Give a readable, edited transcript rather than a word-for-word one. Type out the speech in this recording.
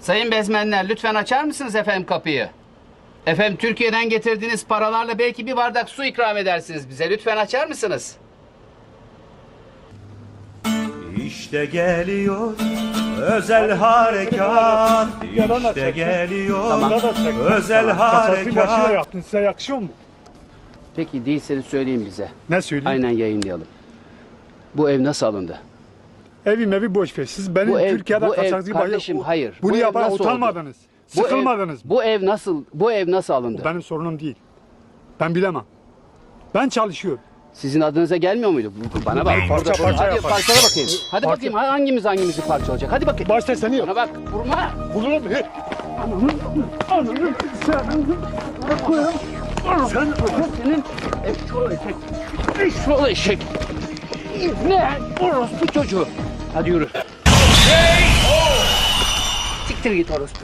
Sayın bezmenler, lütfen açar mısınız efendim kapıyı? Efendim, Türkiye'den getirdiğiniz paralarla belki bir bardak su ikram edersiniz bize. Lütfen açar mısınız? İşte geliyor özel harekat. İşte geliyor Tamam. özel Kaçakçı başına harekat. yaptın, size yakışıyor mu? Peki değilseniz söyleyin bize. Ne söyleyeyim? Aynen yayınlayalım. Bu ev nasıl alındı? Evi boş ver. Siz benim Bu ev- Türkiye'de bu ev- kaçakçı kardeşim, hayır. Bu Bunu ev yapan nasıl utanmadınız. Bu ev- Sıkılmadınız mı? Bu ev nasıl alındı? Benim sorunum değil. Ben bilemem. Ben çalışıyorum. Sizin adınıza gelmiyor muydu? Bana bak. Parça Hadi yapar. parçala bakayım. Hadi Parça- bakayım hangimizi parçalayacak? Hadi bakayım. Başta seni yap. Bana bak. Vurma. Bulurum. Sen senin eşşoğlu eşek. Eşşoğlu eşek. Ne? Orospu çocuğu. Hadi yürü. Siktir git orospu.